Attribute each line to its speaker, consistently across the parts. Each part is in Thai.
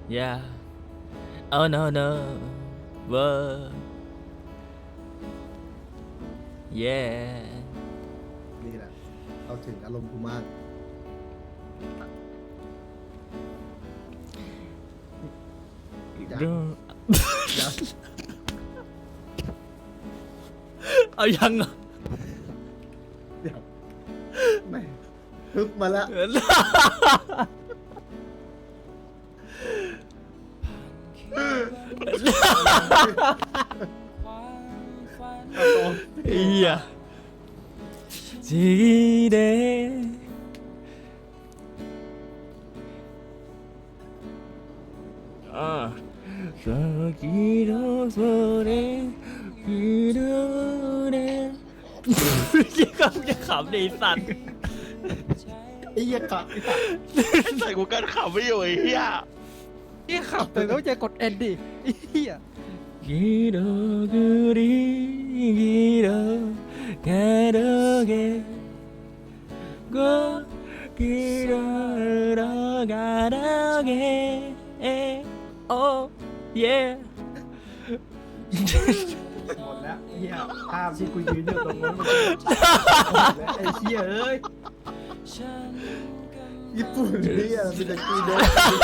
Speaker 1: yeah oh no no whoa yeah
Speaker 2: นี่แหละเราถึงอารมณ์กูมาก
Speaker 1: ดู
Speaker 2: เดี๋ยว
Speaker 1: เอายังเหรอ
Speaker 2: เดี๋ยวแม่ฮึกมาแล้วเอาต่อ
Speaker 1: เฮียจีเดさあきのそれきのねยังจะขำดิสัตว์
Speaker 2: ไอ้เหี้ยกะ
Speaker 3: ใส่กูกันขับไม่อยู่ไอ้เหี้ย
Speaker 4: นี่ขับแต่ต้องจะกดเอ็นดิไอ้เหี้ย
Speaker 1: 기도 그리 기도 가르게 고 기도 가르게 oh yeah
Speaker 2: หมดแล้วเหี้ยภาพที่กูยืนอยู่ตรงนั้นมันไอ้เหี้ยเอ้ยญี่ปุ่นเนี่ยมันจะกีโด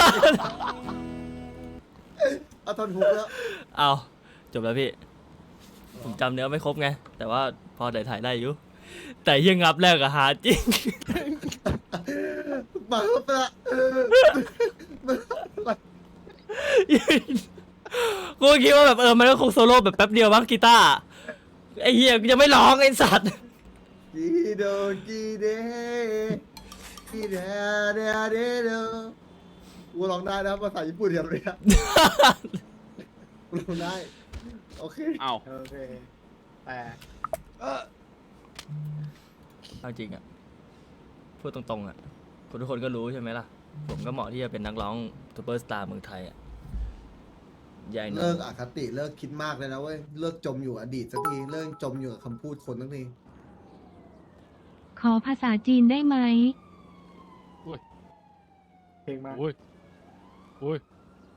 Speaker 2: เอาทอนฮุกแล้ว
Speaker 1: เอาจบแล้วพี่ ผมจำเนื้อไม่ครบไง แต่ว่าพอได้ถ่ายได้อยู่ แต่ยังงับแรกอะหาจริง
Speaker 2: มาไปละ
Speaker 1: กูคิดว่าแบบมันก็คงโซโล่แบบแป๊บเดียวบ้างกีตาร์ไอ้เหี้ยยังไม่ร้องไอ้สัตว์
Speaker 2: กีโดกีเดกีเดเดเดโดกูร้องได้นะภาษาญี่ปุ่นอย่างเนี้ยกูร้องได้โอเค
Speaker 3: เอ้า
Speaker 2: โอเคแต่
Speaker 1: เอาจริงอะพูดตรงๆอะคนทุกคนก็รู้ใช่ไหมล่ะ ผมก็เหมาะที่จะเป็นนักร้องซูเปอร์สตาร์เมืองไทยอะใหญ่หน่อ
Speaker 2: เลิ
Speaker 1: ย
Speaker 2: กอคติเลิกคิดมากเลยนะเว้ยเลิกจมอยู่อดีตสักทีเลิกจมอยู่กับคำพูดคนสักที
Speaker 5: ขอภาษาจีนได้ไหม
Speaker 2: เพลงมา
Speaker 3: อุ้ยอุ้ย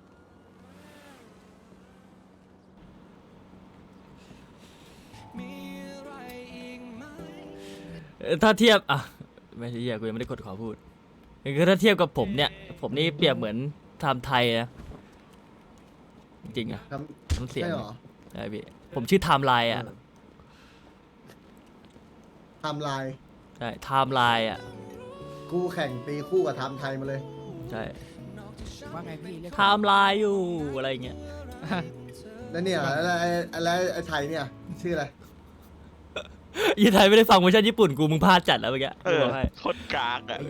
Speaker 1: ถ้าเทียบอะไม่ใช่เหี้ยกูยังไม่ได้กดขอพูดคือถ้าเทียบกับผมเนี่ย ผมนี่เปรียบเหมือนไทม์ไทยนะจริงๆอะ
Speaker 2: ทำ
Speaker 1: น้ำเสียง
Speaker 2: ใช่เหรอ
Speaker 1: ใช่พี่ผมชื่อไทม์ไลน์อะ
Speaker 2: ไทำลาย
Speaker 1: ใช่ไทม์ไลน์อะ
Speaker 2: คู่แข่งตีคู่กับไทำไทยมาเลย
Speaker 1: ใช่
Speaker 4: ว่าไงพี่เรียก
Speaker 1: ไทม์ไลน์อยู่อะไรอย่างเงี้ย
Speaker 2: แล้วเนี่ยอะไรไอ้ไทยเนี่ยชื่ออะไร
Speaker 1: ยี่ไทยไม่ได้ฟังเวอร์ชันญี่ปุ่นกูมึงพลาดจัดแล้วเมื่อกี้
Speaker 3: เอ
Speaker 1: กู
Speaker 3: อ
Speaker 1: บอกให้
Speaker 3: โคตรกากอ่ะ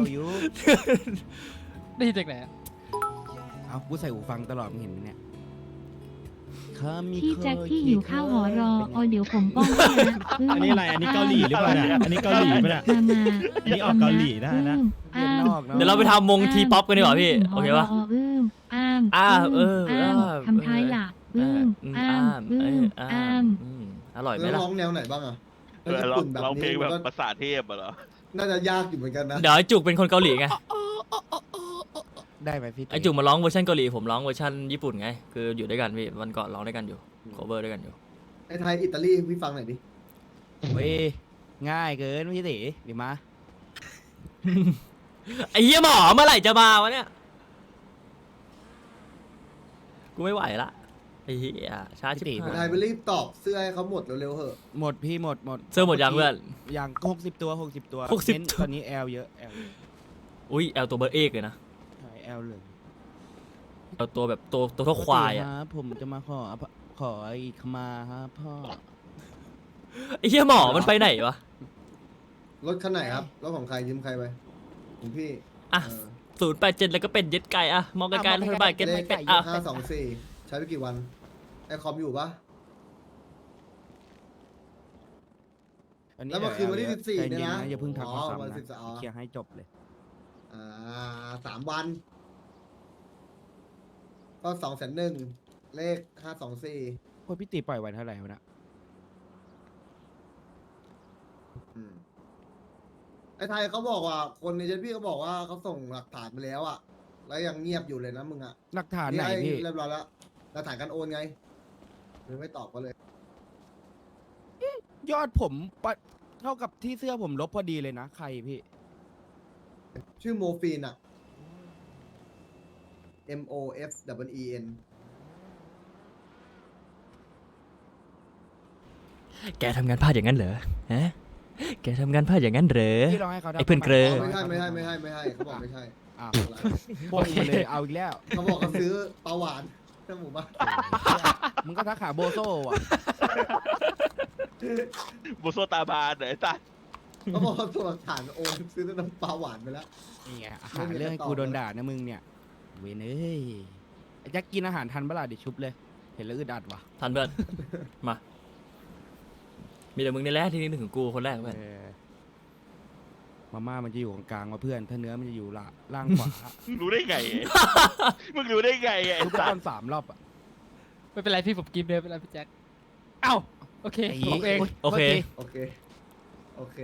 Speaker 4: ได้ยินจากไหนอะ
Speaker 6: เอากูใส่หูฟังตลอดมึงเห็นไหมเนี่ย
Speaker 5: พี่แจ็คที่หิวข้าวหอรอเดี๋ยวผมป้อนให้นะ
Speaker 7: อันนี้อะไร อันนี้เกาหลีหรือเปล่าเนี่ย อันนี้เกาหลีป่ะเนี่ย
Speaker 5: มา
Speaker 7: อันนี้ออกเกาหลีได้นะ
Speaker 6: เรียนนอกเนาะ
Speaker 1: เดี๋ยวเราไปทำวงทีป๊อปกันดีกว่าพี่ โอเคปะ
Speaker 5: อ้าม ทำท้ายหลักอ้าม
Speaker 1: อร่อยไหม
Speaker 2: แล้ว
Speaker 1: ล่ะ
Speaker 2: ร้องแนวไหนบ้างอ่ะ
Speaker 3: เออเรา
Speaker 2: ญี่ปุ่นแบบ
Speaker 3: เราเพล
Speaker 2: นี้
Speaker 3: งแบ
Speaker 2: มัน
Speaker 3: บ
Speaker 2: ก็
Speaker 3: ภาษาเทพอะเหรอ
Speaker 2: น่าจะยากอยู่เหมือนกันนะ
Speaker 1: เดี๋ยวไอ้จุกเป็นคนเกาหลีไง
Speaker 6: ได้ไหมพี่
Speaker 1: ไอ้จุกมาร้องเวอร์ชันเกาหลีผมร้องเวอร์ชันญี่ปุ่นไง คืออยู่ด้วยกันพี่วันก่อนร้องด้วยกันอยู่โคเวอร์ด้วยกันอยู่
Speaker 2: ไอ้ไทยอิตาลีพี่ฟังหน่อยดิ
Speaker 6: เว้ยง่ายเกินพี่ติเดี๋ยวมา
Speaker 1: ไอ้เหี้ยหมอเมื่อไหร่จะมาวะเนี่ย กูไม่ไหวละไอ้เหี้ยช้าชิบ
Speaker 2: ไอ้
Speaker 1: หา
Speaker 2: ไทย
Speaker 1: ย
Speaker 2: ไปรีบตอบเสื้อให้เขาหมดเร็วๆเหอะ
Speaker 6: หมดพี่หมด
Speaker 1: เสื้อหมดยังเพื่อน
Speaker 6: ยัง60 ตัว 60 ตัว
Speaker 1: 60
Speaker 6: เน้นตอนนี้แอลเยอะแอล
Speaker 1: อุ้ยแอลตัวเบอร์เอกเลยนะ
Speaker 6: ใช่แอลเลย
Speaker 1: แอลตัวแบบตัวเท่าควายอ่ะ
Speaker 6: ครับผมจะมาขออีกขมาครับพ่อ
Speaker 1: ไอ้เหี้ยหมอมันไปไหนวะ
Speaker 2: รถคันไหนครับรถของใครยืมใครไปของพี่
Speaker 1: อ่ะ
Speaker 2: เออ
Speaker 1: 087แล้วก็เป็นเย็ดไก่อะมองไกลๆรัฐบาลเก็ต
Speaker 2: เล
Speaker 1: ไม่
Speaker 2: ข
Speaker 1: เป็นอ่ะ
Speaker 2: 524ใช้ไปกี่วันไอคอมอยู่ปะ
Speaker 6: อันนี้
Speaker 2: แล้วเมื่อคืนวันที่
Speaker 6: แอล
Speaker 2: 14
Speaker 6: ใจ
Speaker 2: เนี่ยนะ
Speaker 6: อย่าเพิ่งทัก
Speaker 2: อ๋
Speaker 6: มา
Speaker 2: อ
Speaker 6: ซ้ำ
Speaker 2: วัน
Speaker 6: นะ
Speaker 2: 14อ๋อ
Speaker 6: เคลียร์ให้จบเลย
Speaker 2: 3 วัน ก็201,000เลข524
Speaker 6: โอ้ยพี่ติปล่อยวันเท่าไหร่วะนะ
Speaker 2: อืมไอ้ไทยเขาบอกว่าคนในเจนพี่เขาบอกว่าเขาส่งหลักฐานมาแล้วอ่ะแล้วยังเงียบอยู่เลยนะมึงอ่ะ
Speaker 6: หลักฐานไหนพี่
Speaker 2: เรียบร้อยแล้วหลักฐานการโอนไงมึงไม่ตอบก็เลย
Speaker 6: ยอดผมเท่ากับที่เสื้อผมลบพอดีเลยนะ ใครพี่
Speaker 2: ชื่อโมฟีนอ่ะ MOFEEN
Speaker 1: แกทำงานพลาดอย่างนั้นเหรอฮะแกทำงานพลาดอย่างนั้นเหรอ
Speaker 6: พี่ลองให้เขาทำ
Speaker 1: ไอ้เพื่อนเกรอ
Speaker 2: ไม่ใช่ไม่ใช่ไม่ใช่ไม่ใช่เขาบอกไม่ใช่
Speaker 6: อ้าวโป้งมาเลยเอาอีกแล้ว
Speaker 2: เขาบอกเขาซื้อปลาหวานในหมู่บ้าน
Speaker 6: มึงก็ทักหาโบโซ่อะ
Speaker 3: บุโซตาบานไหนตา
Speaker 2: เขาบอกเขาส่งหลักฐานโอนซื้อน้ำปลาหวานไปแล้ว
Speaker 6: นี่ไงหาเรื่องให้กูโดนด่านะมึงเนี่ย เว้ยเอ้ยไอ้แจ็คกินอาหารทันเปะล่าเดี๋ยวชุบเลย เห็นแล้วอึดอัดว่ะ
Speaker 1: ทันเพื่อนมา มีแต่มึงนี่แหละที่นึกถึงกูคนแรกเพื่อน
Speaker 6: เออมาม่ามันจะอยู่กลางๆมาเพื่อน ถ้าเนื้อมันจะอยู่ล่างขวา
Speaker 3: รู้ได้ไง มึงรู้ได้ไงไอ้
Speaker 6: ชุบไป
Speaker 3: สั
Speaker 6: ต
Speaker 3: ต
Speaker 6: อน
Speaker 3: ว์
Speaker 6: 3 รอบอ่ะ
Speaker 4: ไม่เป็นไรพี่ผมกินเลยไม่เป็นไรพี่แจ็คเอ้าโอเค
Speaker 6: ไอ้
Speaker 4: ผมเอง
Speaker 1: โอเค
Speaker 2: โอเค โอเค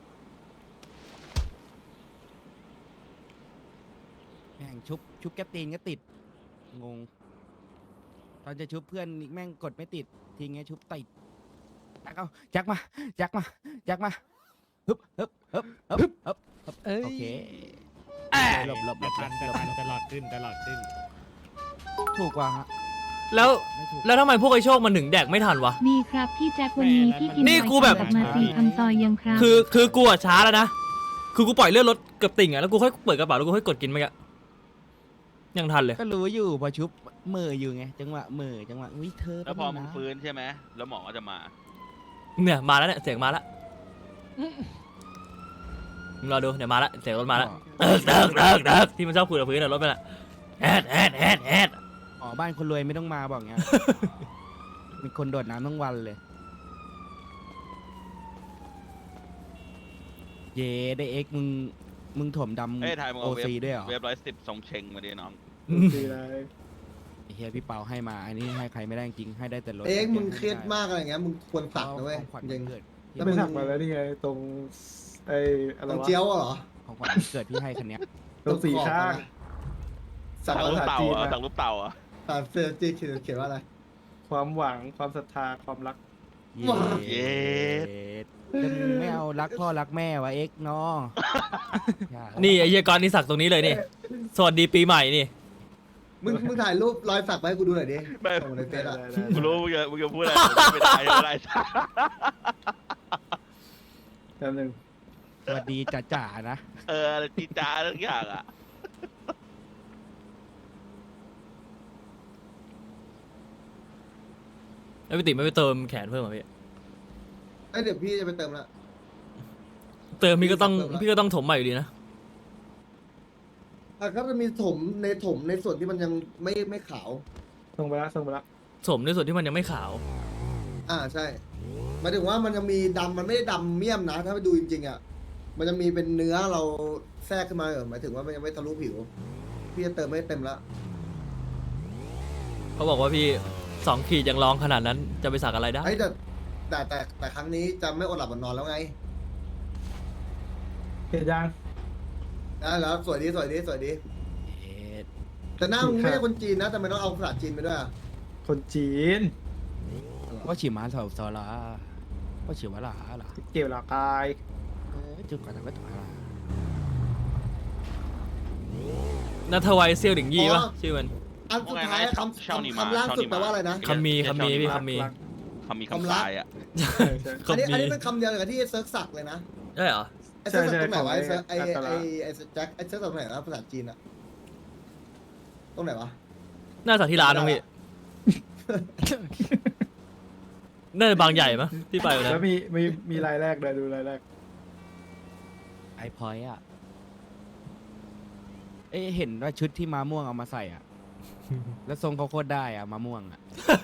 Speaker 6: แม่งชุบแกปตีนก็ติด งง ตอนจะชุบเพื่อนแม่งกดไม่ติด ทีเงี้ยชุบติดแจ็คมาแจ็คมาฮึบ
Speaker 4: เอ้ย
Speaker 6: โอเคหลบ
Speaker 7: แต่ทันตลอดขึ้น
Speaker 6: ถูกกว่าฮะ
Speaker 1: แล้ว
Speaker 6: ไม่ถูก
Speaker 1: แล้วทำไมพวกไอ้โชคมันถึงแดกไม่ทันวะ
Speaker 5: มีครับพี่แจ็ควันนี้พี่กิน
Speaker 1: นี่กูแบบ
Speaker 5: กลับมา4,000ซอยยังครับ
Speaker 1: คือกูอะช้าแล้วนะ คือกูปล่อยเลือดรถเกือบติ่งอะแล้วกูค่อยเปิดกระเป๋าแล้วกูค่อยกดกินไปอะยังทันเลย
Speaker 6: ก็รู้อยู่พอชุบมืออยู่ไงจังหวะมือจังหวะวิเธอ
Speaker 3: แล้วพอมึง
Speaker 6: นะ
Speaker 3: ฟื้นใช่ไหมแล้วหมอก็จะมา
Speaker 1: เนี่ยมาแล้วเนี่ยเสียงมาแล้วมึงรอดูเดี๋ยวมาแล้วเสียงรถมาแล้วเดิกที่มันชอบคุยกับพื้นอะรถไปละแอด
Speaker 6: อ๋อบ้านคนรวยไม่ต้องมาบอกเงี้ย มีคนโดดน้ำทั้งวันเลย เย่ได้เอ็กมึงถมด
Speaker 3: เอ้ยถ่ายมึง
Speaker 6: ำโอ
Speaker 3: เอาเว็บ
Speaker 6: ซีด้วยเหรอ
Speaker 3: เว็บ110ทรงเชงมาดิน้อง
Speaker 2: ดีเลย
Speaker 6: ไอ้เฮียพี่เปาให้มา อันนี้ให้ใครไม่ได้จริงให้ได้แต่รถ
Speaker 2: เอ็กซ์มึงเครียดมากอะไรเงี้ย มึงควรสักนะเว้ย
Speaker 6: ของขวัญ
Speaker 2: จริง
Speaker 6: เกิด
Speaker 2: แล้ว
Speaker 8: ไม่
Speaker 2: มึง
Speaker 8: สักมาแล้วนี่ไงตรงไอ้อะไร
Speaker 2: ต้อง
Speaker 8: วะ
Speaker 2: เจียวอะเหรอ
Speaker 6: ของขวัญเกิดพี่ให้คันเนี้ย
Speaker 8: ตรงสี่ข้าง
Speaker 2: สัก
Speaker 3: สั่ง
Speaker 2: ภา
Speaker 3: รูป
Speaker 2: ษา
Speaker 3: เต่า
Speaker 2: จีน
Speaker 3: อ่ะ
Speaker 2: นะ
Speaker 3: สั่งรูปเต่าอ่ะ
Speaker 2: ภาษาเซอร์จีนเขียนว่าอะไร
Speaker 8: ความหวังความศรัทธาความรัก
Speaker 6: เย้
Speaker 3: เย้
Speaker 6: แล้วมึงไม่เอารักพ่อรักแม่วะเอ็กซ์เนาะ
Speaker 1: นี่ไอ้เหี้ยกรนี่สักตรงนี้เลยนี่ สวัสดีปีใหม่นี่
Speaker 2: มึงถ่ายรูปรอยสักไปให้กูดูหน่อยดิ
Speaker 3: ไม่
Speaker 2: ส่งในเฟซอะ
Speaker 3: กูรู้มึงจะพูดอะไรไม่ได้ไม่ได้
Speaker 8: แป๊บนึง
Speaker 6: สวัสดีจ๋าๆนะ
Speaker 3: อะไรจีจ้าทุกอย่างอ่ะ
Speaker 1: แล้วพี่ติ๋มไม่ไปเติมแขนเพิ่มเหรอพี่
Speaker 2: ไอยเดี๋ยวพี่จะไปเติมละ
Speaker 1: เติมพี่ก็ต้อง
Speaker 2: เติมละ
Speaker 1: พี่ก็ต้องถมใหม่อยู่ดีนะ
Speaker 2: อ่ะก็จะมีถมในส่วนที่มันยังไม่ขาว
Speaker 8: ส่งไปละส่งไปละ
Speaker 1: ถมในส่วนที่มันยังไม่ขาว
Speaker 2: ใช่หมายถึงว่ามันจะมีดำมันไม่ได้ดำเมี่ยมนะ ถ้าไปดูจริงๆอ่ะ มันจะมีเป็นเนื้อเราแทรกขึ้นมาหมายถึงว่ามันยังไม่ทะลุผิว พี่จะเติมไม่เต็มละ
Speaker 1: เขาบอกว่าพี่2 ขีดยังร้องขนาดนั้นจะไปสักอะไรได้
Speaker 2: ไอ้ยแต่ครั้งนี้จะไม่อดหลับอดนอนแล้วไง
Speaker 8: เห็นยัง
Speaker 2: ได้แล้วสวยดีสวยดีสวยดี
Speaker 6: เอ็ด
Speaker 2: แต่หน้ามึงไม่ใช่คนจีนนะแต่มันต้องเอาภาษาจีนไปด้วยอะ
Speaker 8: คนจีน
Speaker 6: ว่าฉีมาสาวซอลาว่าฉีวะลาล่ะ
Speaker 8: เกี่ยวหลักกาย
Speaker 6: จุดก่อนแต่ก็ถูกละ
Speaker 1: นัทวัยเซียวหลิงยี่ปะชื่อมัน
Speaker 2: อันสุดท้ายคำล่าสุดแปลว่าอะไรนะ
Speaker 1: คำมีพี่คำมี
Speaker 8: รัก
Speaker 3: คำมีคำตายอ่ะ
Speaker 8: ใช่ใช่
Speaker 2: อันนี้เป็นคำเดียวกับที่เซิร์ฟสักเลยนะ
Speaker 1: ได้เหรอ
Speaker 2: ไอ้เซิร์ฟสัก
Speaker 8: ใช่
Speaker 2: ตรงไหนวะ
Speaker 8: ใช่
Speaker 2: ไอ้
Speaker 8: ของไอ้
Speaker 2: ไอ้แจ็คไอ้เซิร์ฟสักตรงไหนนะภาษาจีนอะตรงไหนวะ
Speaker 1: น่าสักที่ร้านน้องพี่น่าจะบางใหญ่ปะที่ไปวันนั้
Speaker 8: แล้ว
Speaker 1: น
Speaker 8: มีรายแรกเลยดูรายแรก
Speaker 6: ไอพอยอ่ะ เอ้ยเห็นว่าชุดที่มาม่วงเอามาใส่อ่ะ แล้วทรงเขาโคตรได้อ่ะมาม่วงอ่ะ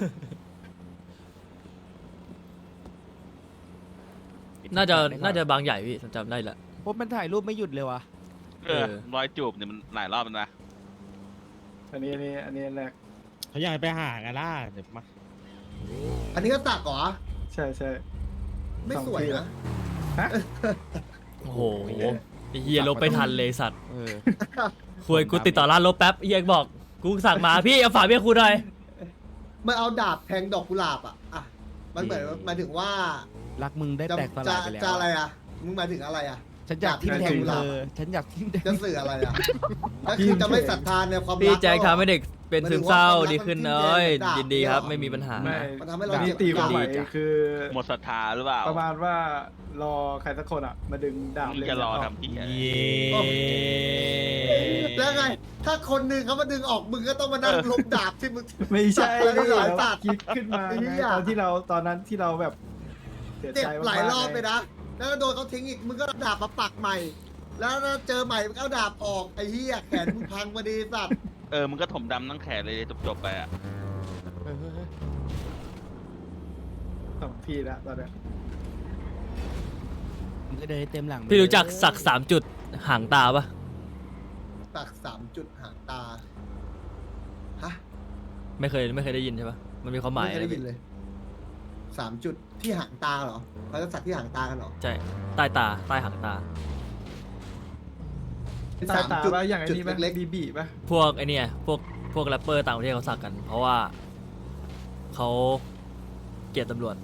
Speaker 1: น่าจะบางใหญ่พี่จำได้ละ
Speaker 6: พบมันถ่ายรูปไม่หยุดเลยวะ
Speaker 3: รอยจูบเนี่ยมันหลายรอบแล้วนะ
Speaker 8: อันนี้แรก
Speaker 7: เขาอยากไปหากันล่ะเดี๋ยวมา
Speaker 2: อันนี้ก็สักเหรอ
Speaker 8: ใช่ใช่
Speaker 2: ไม่สวยนะ
Speaker 1: โอ้โหไอ้เฮียลบไปทันเลยสัตว์
Speaker 6: เออ
Speaker 1: คุยกูติดต่อร้านลบแป๊บเฮียบอกกูสั่งมาพี่เอาฝากเบี้ยครูหน่อย
Speaker 2: มันเอาดาบแทงดอกกุหลาบอ่ะมันเหมือนหมายถึงว่า
Speaker 6: รักมึงได้
Speaker 2: จะ
Speaker 6: แตกสลายไปแล้ว
Speaker 2: จะอะไรอ่ะมึงหมายถึงอะไรอ่ะ
Speaker 6: ฉันอยากทิ่มแทง
Speaker 2: ดาบ
Speaker 6: เธอฉันอยากทิ่มแท
Speaker 2: จะ
Speaker 6: ง
Speaker 2: สื่ออะไรอ่ะก็คือจะไม่ศรัทธาในความรัก
Speaker 1: พี่แจ็ค
Speaker 2: หรอ
Speaker 1: ทำให้เด็กเป็นซึมเศร้า
Speaker 2: มันถือว่า
Speaker 1: ดีขึ้น
Speaker 2: ความรัก
Speaker 1: เอ้ย
Speaker 2: มัน
Speaker 1: ยินดีครับ
Speaker 2: จิ้มแทง
Speaker 1: ไม่มีปัญหา
Speaker 8: ไม่
Speaker 2: มันทำให้เรา
Speaker 8: นี่
Speaker 2: เจ็บ
Speaker 8: ตีความหมาย
Speaker 1: จ้ะ
Speaker 8: คือ
Speaker 3: หมดศรัทธาหรือเปล่า
Speaker 8: ประมาณว่ารอใครสักคนอ่ะ มาดึงดาบ
Speaker 3: มึงจะรอทำที่อะไร
Speaker 7: เย้
Speaker 2: แล้วไง ถ้าคนหนึ่งเขามาดึงออกมึงก็ต้องมานั่งลบดาบที่มึง
Speaker 8: ไม่ใช่
Speaker 2: สัตว์หลายสัตว์
Speaker 8: คิดขึ้นมา
Speaker 2: ไอ้
Speaker 8: ไง
Speaker 2: เหี้ย
Speaker 8: ตอนนั้นที่เราแบบเสีย
Speaker 2: เจ็บ
Speaker 8: ใจ
Speaker 2: หลายรอบ
Speaker 8: มกๆ
Speaker 2: ไปนะ แล้วโดนเขาทิ้งอีก มึงก็เอาดาบมาปักใหม่ แล้วเจอใหม่มึงก็เอาดาบออก ไอ้เหี้ยแขนมึงพังพอดีสัตว์
Speaker 3: มึงก็ถมดำทั้งแขนเลยจบๆไปอ่ะ
Speaker 8: สองทีแล้วตอนเนี้ย
Speaker 6: มึงก็เดินให้เต็มหลังไป
Speaker 1: พี่รู้จัก
Speaker 6: เลย
Speaker 1: สัก3 จุดหางตาปะ
Speaker 2: ปัก3 จุดหางตา ฮะ
Speaker 1: ไม่เคยได้ยินใช่ปะมันมีความหมาย
Speaker 2: ไม่เคยได้ยินเลย3 จุดที่หางตาเหรอเขาจะสักที่หางตากันเหรอ
Speaker 1: ใช่ใต้ตาใต้หางตา
Speaker 8: ตาตา
Speaker 2: จุด
Speaker 8: ว่าอย่างไอ้
Speaker 2: จุด
Speaker 8: นี้ป่ะ
Speaker 2: เล็ก
Speaker 8: บีบีป่ะ
Speaker 1: พวกไอเนี่ยพวกแรปเปอร์ต่างประเทศเขาสักกัน เพราะว่าเขาเกลียดตำรวจ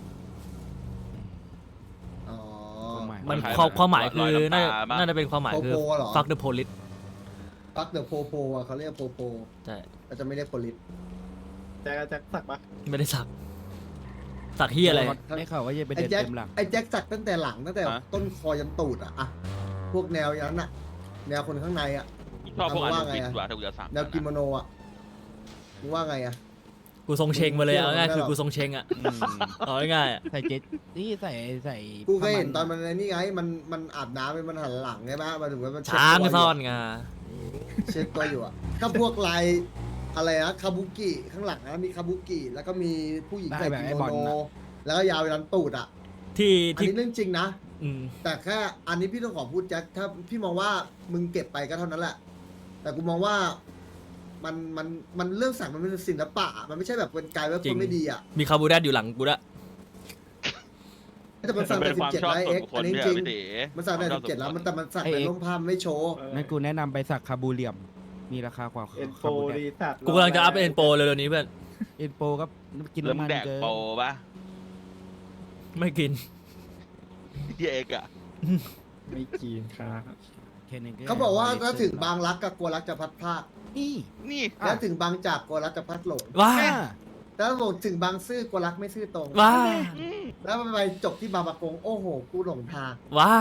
Speaker 2: ๆอ๋อ
Speaker 1: มัน
Speaker 3: คล้ายๆ
Speaker 1: ความหมายคือ
Speaker 3: รอยน้ำตา
Speaker 1: น่าจะเป็นความหมายคือ
Speaker 2: โปโปเหรอ
Speaker 1: fuck the police
Speaker 2: ปักเดอะโพโพอ่ะเขาเรียกโพโพ
Speaker 1: ใช่
Speaker 2: เราจะไม่เรียกโพลิส
Speaker 8: แจ็คสักปะ
Speaker 1: ไม่ได้สักสักเฮียอะไร
Speaker 6: ได้ข่าวว่าจะไป
Speaker 2: ไอ้
Speaker 6: เดิน
Speaker 2: แจ็ค
Speaker 6: เต็มหลัง
Speaker 2: ไอ้แจ็คสักตั้งแต่หลังตั้งแต่
Speaker 3: ฮะ
Speaker 2: ต้นคอยันตูดอะพวกแนวยันอะแนวคนข้างในอะ
Speaker 3: ชอบพวกอัน
Speaker 2: ว่า
Speaker 3: ดู
Speaker 2: ไง
Speaker 3: ฟิต
Speaker 2: อะ
Speaker 3: กว่าถ้ากูจะสั่ง
Speaker 2: แนวกิโมโนอะมึงว่าไงอะ
Speaker 1: กูทรงเชงมาเลยเอาง่ายๆคือ
Speaker 2: ไม่หรอก
Speaker 1: กูทรงเชงอ่ะ
Speaker 3: อืม
Speaker 1: เอาง่ายๆอะ
Speaker 6: ใส่เจ็ตนี่ใส่
Speaker 2: กูเคยเห็นตอน
Speaker 6: ผ้า
Speaker 2: มันไอ้นี่ไงมันอาบน้ำมันหันหลังใช่ไหมมาถึงว่ามันเช็ด
Speaker 1: ช้าง
Speaker 2: ตัว
Speaker 1: ซ่อน
Speaker 2: ยู่
Speaker 1: งา
Speaker 2: เช็ดตัวอยู่อะถ้าพววกลายอะไรนะคาบุกิข้างหลังนะมีคาบุกิแล้วก็มีผู้หญิงใส่กิโมโนแล้วก็ยาวไปรันตูดอะ
Speaker 1: ที่
Speaker 2: อัน
Speaker 1: ที่
Speaker 2: นี้เรื่องจริงนะ
Speaker 1: อืม
Speaker 2: แต่แค่อันนี้พี่ต้องขอพูดแจ็คถ้าพี่มองว่ามึงเก็บไปก็เท่านั้นแหละ แต่กูมองว่ามันเรื่องสักมันเป็นศิลปะอะมันไม่ใช่แบบเป็นกายว่าคนไม่ดีอ่ะ
Speaker 1: มีคาร์บูแดดอยู่หลังกูด้วย
Speaker 2: แต่มันสัก
Speaker 3: เป็
Speaker 2: แต่
Speaker 3: นความ
Speaker 2: 17
Speaker 3: ชอบ
Speaker 2: แล้ว
Speaker 3: ส่ว
Speaker 2: เอ็
Speaker 3: น
Speaker 2: ก
Speaker 3: บุคค
Speaker 2: อั
Speaker 3: ล
Speaker 2: นนี้
Speaker 3: เนี่ย
Speaker 2: จริง
Speaker 3: พี่ตี
Speaker 2: มันสักแต่17แล้วแต่มันสักเป็นร่มผ้ามันไม่โชว์
Speaker 6: นั่นกูแนะนำไปสักคาบูเรียม มีราคากว่า
Speaker 8: เอ็นโฟ
Speaker 6: คาบูแด
Speaker 8: รี
Speaker 6: ด
Speaker 8: สัต
Speaker 1: กูกำลังจะอัพเอ็นโปเร็วๆนี้เพื่อน
Speaker 6: เอ็นโปก็กิน
Speaker 3: แล้วมึ
Speaker 6: น้ำมั
Speaker 3: ง
Speaker 6: น
Speaker 3: แดก
Speaker 6: เกิน
Speaker 3: โปปะ
Speaker 1: ไม่กิน
Speaker 3: เหี้ยเอกอะ
Speaker 8: ไม่กินครับ
Speaker 6: แค่นั้น
Speaker 2: เขาบอกว่าถ้าถึงบางรักกับกลัวรักจะพัดพราก
Speaker 6: นี่
Speaker 3: นี่
Speaker 2: แล้วถึงบางจากกลัวรักจะพัดหลง
Speaker 1: ว้า
Speaker 2: แล้วบอกถึงบางซื่อกลัวรักไม่ซื่อตรง
Speaker 1: ว้า
Speaker 2: แล้วมันไปจบที่บางประกงโอ้โหกูหลงทาง
Speaker 1: ว้า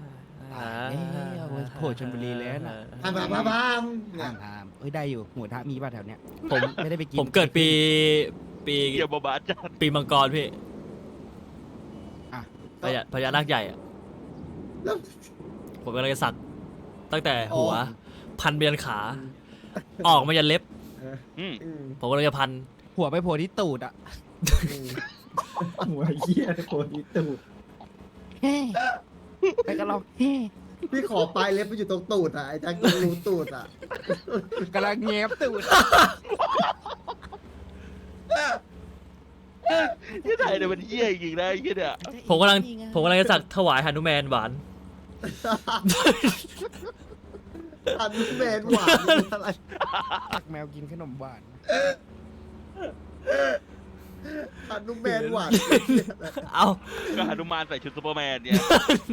Speaker 6: โผล่ชลบุรีแล้วนะ
Speaker 2: พามเนี่
Speaker 6: ทาย งทามเอ้ยได้อยู่หมูทะมีป่ะแถวเนี้ย
Speaker 1: ผม
Speaker 6: ไม่ได้ไปกิน
Speaker 1: ผมเกิดปี
Speaker 3: เหี้ยบบาจัด
Speaker 1: ปีมังกรพี่
Speaker 6: อ่ะ
Speaker 1: พญานาคใหญ่อะ
Speaker 2: แล้ว
Speaker 1: ผมกำลังจะสักตั้งแต่หัว พันไปยันขา ออกมายันเล็บ
Speaker 3: อืม
Speaker 1: ผมกำลังจะพัน
Speaker 6: หัวไปโผล่ที่ตูดอ่ะ
Speaker 8: หัวเหี้ยโคตรอีตูด
Speaker 6: เฮ้ไปกันเราเฮ้
Speaker 2: พี่ขอปลายเล็บไปอยู่ตรงตูดอ่ะไอ้แจ็คต้องรู้ตูดอ่ะ
Speaker 6: กำลังแงบตูด
Speaker 3: ที่ไหนเนี่ยมันเหี้ยจริงๆนะไอ้เหี้ยเนี่ย
Speaker 1: ผมกำลังจะสักถวายหนุแมนหวาน
Speaker 2: อันนี้แมนหวานนี่อะไร
Speaker 6: ตักแมวกินขนมหวาน
Speaker 2: อันนี้แมนหวาน
Speaker 1: เอา
Speaker 3: ก็หนุมานใส่ชุดซูเปอร์แมนเนี่ย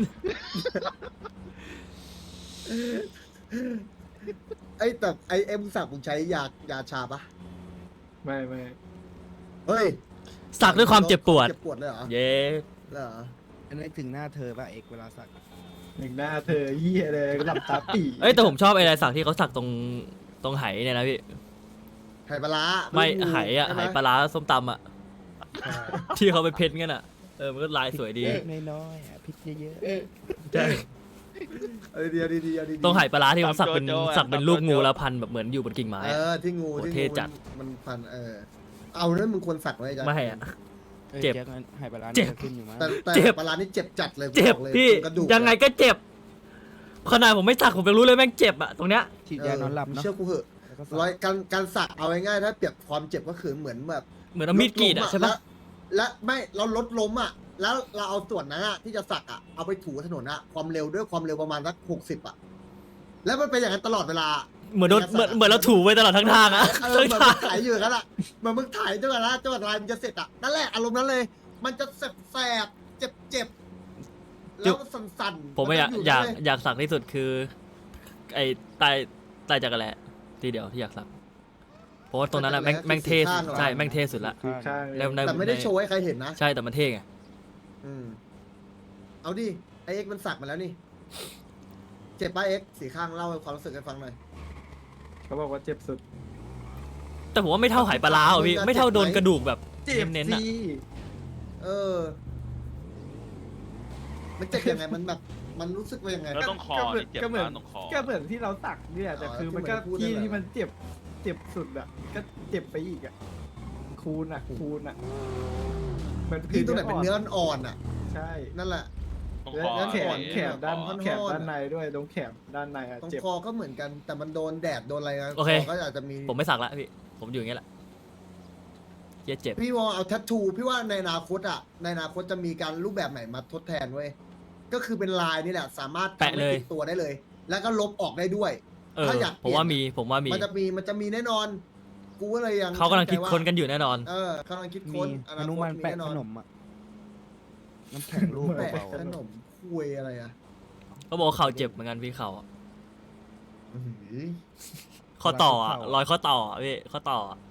Speaker 2: ไอ้แต่ไอ้เอ็มสักมึงใช้ยาชาปะ
Speaker 8: ไม่
Speaker 2: เฮ้ย
Speaker 1: สักด้วยความเจ็บปวด
Speaker 2: เจ็บปวดเลยเหรอ
Speaker 1: เย้
Speaker 2: เหรอ
Speaker 6: อันนี้ถึงหน้าเธอป่ะเอกเวลาสัก
Speaker 8: หนึ่งหน้าเธอเหี้ยเลยหลับตาปี
Speaker 1: เอ้ยแต่ผมชอบไอ้ลายสักที่เขาสักตรงไหเนี่ยนะพี่
Speaker 2: ไข่ปลาร้า
Speaker 1: ไม่
Speaker 2: รู้
Speaker 1: ไหอะ
Speaker 2: ใช่
Speaker 1: ไห
Speaker 2: ม
Speaker 1: ปลาร้าส้มตำอะที่เขาไปเพ้นกันอะมันก็ลายสวยดี
Speaker 6: น้อยๆอ่ะพริกเยอะ
Speaker 1: ใช่
Speaker 2: เดียวดีๆ
Speaker 1: ตรงไหปลาร้าที่เขาสักเป็นรูปงูแล้วพันแบบเหมือนอยู่บนกิ่งไม้
Speaker 2: เอ
Speaker 1: อะ
Speaker 2: อที่งู
Speaker 1: โอ้
Speaker 2: ที่
Speaker 1: เท่
Speaker 2: งู
Speaker 1: จัด
Speaker 2: มันพันเอาเรื่องมึงควรสักไว้จ้ะ
Speaker 1: ไม่อะ
Speaker 6: ๆ
Speaker 1: เจ็บ
Speaker 6: แจ็คงั้นหายไปร้าน
Speaker 1: เจ็บ
Speaker 6: ขึ้นอยู่มั้ง
Speaker 2: แต่
Speaker 1: เจ็บ
Speaker 2: ปลาร้านี่เจ็บจัดเลย
Speaker 1: เจ็บ
Speaker 2: อกลย
Speaker 1: พี่
Speaker 2: กระดูก
Speaker 1: ยังไงก็เจ็บขนาดผมไม่สักผมยังรู้เลยแม่งเจ็บอะตรงเนี้ย
Speaker 6: ฉีดยานอนหลับเนาะ
Speaker 2: เชื่อกูเหอะ
Speaker 6: แล้วก็สัก
Speaker 2: ร้อยการสักเอาง่ายๆถ้าเปรียบความเจ็บก็คือเหมือนแบบ
Speaker 1: เหมือนเอามีดกรีดอะใช่ปะ
Speaker 2: และไม่เราลดล้มอ่ะ แล้วเราเอาส่วนนั้นอะที่จะสักอ่ะเอาไปถูถนนอ่ะความเร็วด้วยความเร็วประมาณสัก60อ่ะ แล้วมันเป็นอย่างนั้นตลอดเวลา
Speaker 1: เหมือนโดนเหมือนเราถูไปตลอดทั้งทางอะ
Speaker 2: เหมือนมึงถ่ายอยู่กันละเหมือนมึงถ่ายจนกว่าละจนกว่าลายมันจะเสร็จอะนั่นแหละอารมณ์นั้นเลย มันจะแสบเจ็บแล้วสั่นๆ
Speaker 1: ผมไม่อยาก
Speaker 2: นจะ
Speaker 1: อยาก
Speaker 2: เลย
Speaker 1: อยากสักที่สุดคือ ไอ้ใต้จักรแลทีเดียวที่อยากสักเพราะว่าตรงนั้นอะแม่งเท่สุดใช่แม่งเท่สุดละ
Speaker 8: คือข้าง
Speaker 1: แล้วใน
Speaker 2: แต่ไม่ได้โชว์ให้ใครเห็นนะ
Speaker 1: ใช่แต่มันเท่ไง
Speaker 2: เอาดิไอเอ็กมันสักมาแล้วนี่ เจ็บป่ะเอ็กสีข้างเล่าความรู้สึกให้ฟังหน่อย
Speaker 8: เขาบอกว่าเจ็บสุด
Speaker 1: แต่ผมว่าไม่เท่าหายปลาร้าอ่ะพี่ไม่เท่าโดนกระดูกแบบเน้นๆอะ
Speaker 2: เออ มันเจ็บยังไงมันแบบมันรู้สึกว่ายังไง
Speaker 3: แล้วต้องคอนี่เจ็บ
Speaker 8: ก็เหมือน
Speaker 3: มากต้องคอ
Speaker 8: ก็เหมือนที่เราสักเนี่ยแต่คือมันก็
Speaker 2: ที่
Speaker 8: ที่
Speaker 2: มันพูดนั่นแหละ
Speaker 8: ที่มันเจ็บสุดอ่ะก็เจ็บไปอีกอ่ะคูณอ่ะเหมือน
Speaker 2: พี่ตรงไหนเป็นเนื้ออ่อนอ่ะ
Speaker 8: ใช่
Speaker 2: นั่นแหละ
Speaker 3: ต้อง
Speaker 8: แล้
Speaker 3: คว อ
Speaker 8: แล้วแขน
Speaker 3: นี่
Speaker 8: แขนด้าน
Speaker 3: ต้องคอ
Speaker 8: แขนด้านในด้วยตรงแขนด้านในอ่ะ
Speaker 2: ตรง
Speaker 8: เจ็บ
Speaker 2: คอก็เหมือนกัน แต่มันโดนแดดโดนอะไรนะ
Speaker 1: โอเค
Speaker 2: คก็อาจจะมี
Speaker 1: ผมไม่สักละพี่ผมอยู่อย่างเงี้ยแหละเจ็บ
Speaker 2: พี่วอลเอาแทททูพี่ว่าในอนาคตอ่ะในอนาคตจะมีการรูปแบบไหนมาทดแทนเว้ยก็คือเป็นลายนี่แหละ สามารถทำให้ติดตัวได้เลย แล้วก็ลบออกได้ด้วย ถ้าอยากเป
Speaker 1: ผ
Speaker 2: ลี่
Speaker 1: ม
Speaker 2: ยน
Speaker 1: ว่ามีผมว่ามี
Speaker 2: มันจะมีแน่นอน กูก็เลยยัง
Speaker 1: เขากำลังคิด
Speaker 2: ใจว่า
Speaker 1: ค้นกันอยู่แน่นอน
Speaker 2: กำลังคิด
Speaker 6: มี
Speaker 2: ค้น
Speaker 6: อนุมันแปะขนมอ่ะน้ำแข็งลูก
Speaker 2: แปะ
Speaker 6: เบา
Speaker 2: ขนมคุยอะไรอ่ะ
Speaker 1: เขาบอกว่าเข่าเจ็บเหมือนกันพี่เข่าอะ
Speaker 2: อื้อหือ
Speaker 1: ข้อต่ออะรอยข้อต่ออะพี่ข้อต่ออะ